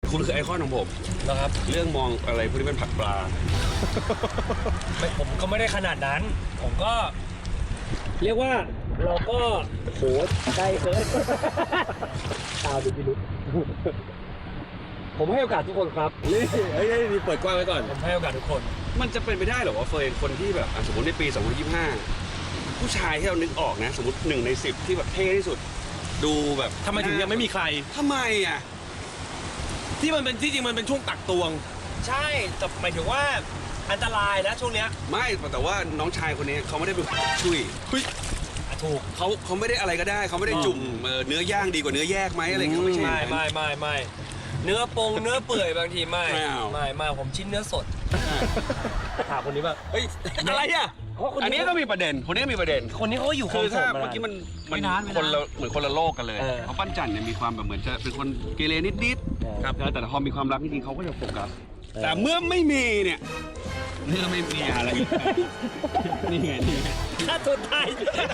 คุณคือไอคอนของผมนะครับเรื่องมองอะไรพวกนี้เป็นผักปลาผมก็ไม่ได้ขนาดนั้นผมก็เรียกว่าเราก็โหใกล้เกินตาดูพิรุธผมให้โอกาสทุกคนครับนี่เฮ้ยนี่เปิดกว้างไว้ก่อนผมให้โอกาสทุกคนมันจะเป็นไปได้หรอว่าเฟยคนที่แบบสมมติในปี 2025 ผู้ชายที่เรานึกออกนะสมมติ1 ใน 10ที่แบบเท่ที่สุดดูแบบทำไมถึงยังไม่มีใครทำไมอ่ะที่มันเป็นที่จริงมันเป็นช่วงตักตวงใช่แต่หมายถึงว่าอันตรายนะช่วงเนี้ยไม่แต่ว่าน้องชายคนนี้เขาไม่ได้เป็นชุยถูกเขาไม่ได้อะไรก็ได้เขาไม่ได้จุ่มเนื้อย่างดีกว่าเนื้อแยกไหมอะไรเงี้ยไม่ใช่ไม่เนื้อปงเนื้อเปื่อยบางทีไม่ผมชิ้นเนื้อสดถามคนนี้ว่าเฮ้ยอะไรอ่ะอันนี้ก็มีประเด็นคนนี้มีประเด็นคนนี้เขาอยู่คือถ้าเมื่อกี้มันคนละเหมือนคนละโลกกันเลยเพราะปั้นจันเนี่ยมีความแบบเหมือนจะเป็นคนเกเรนิดๆครับแต่พอมีความรักจริงๆเขาก็จะโฟกัสแต่เมื่อไม่มีเนี่ยเมื่อไม่มีอะไรนี่ไงฆ่าตัวตาย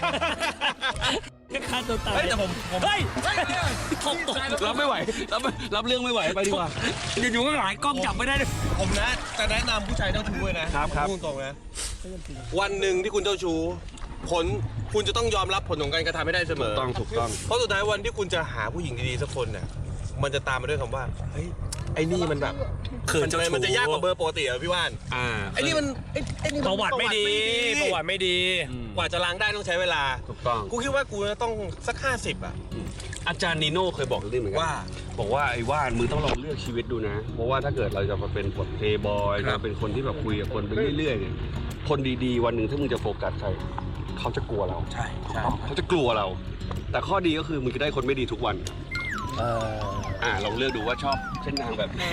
ฆ่าตัวตายแต่ผมเฮ้ยรับไม่ไหวรับเรื่องไม่ไหวไปดีกว่าอยู่ๆก็หลายกล้องจับไม่ได้เลยผมนะจะแนะนำผู้ชายเจ้าชู้เลยนะครับพูดตรงนะวันหนึ่งที่คุณเจ้าชู้คุณจะต้องยอมรับผลของการกระทำให้ได้เสมอถูกต้องเพราะสุดท้ายวันที่คุณจะหาผู้หญิงดีๆสักคนเนี่ยมันจะตามมาด้วยคำว่าเฮ้ยไอ้นี่มันแบบมันจะยากกว่าเบอร์ปกติอ่ะพี่ว่านไอ้นี่มันประวัติไม่ดีกว่าจะล้างได้ต้องใช้เวลาถูกต้องกูคิดว่ากูจะต้องสัก50อ่ะอาจารย์นีโน่เคยบอกเรื่องเหมือนกันบอกว่าไอ้ว่านมึงต้องลองเลือกชีวิตดูนะเพราะว่าถ้าเกิดเราจะมาเป็นบทเพย์บอยจะเป็นคนที่แบบคุยกับคนไปเรื่อยๆเนี่ยคนดีๆวันหนึ่งถ้ามึงจะโฟกัสใครเขาจะกลัวเราใช่เขาจะกลัวเราแต่ข้อดีก็คือมึงจะได้คนไม่ดีทุกวันลองเลือกดูว่าชอบเส้นทางแบบไหน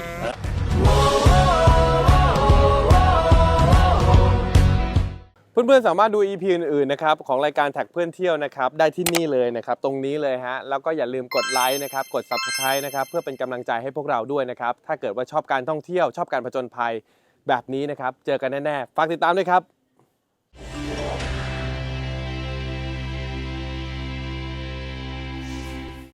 เพื่อนๆสามารถดู EP อื่นๆนะครับของรายการแท็กเพื่อนเที่ยวนะครับได้ที่นี่เลยนะครับตรงนี้เลยฮะแล้วก็อย่าลืมกดไลค์นะครับกด Subscribe นะครับเพื่อเป็นกำลังใจให้พวกเราด้วยนะครับถ้าเกิดว่าชอบการท่องเที่ยวชอบการผจญภัยแบบนี้นะครับเจอกันแน่ๆฝากติดตามด้วยครับ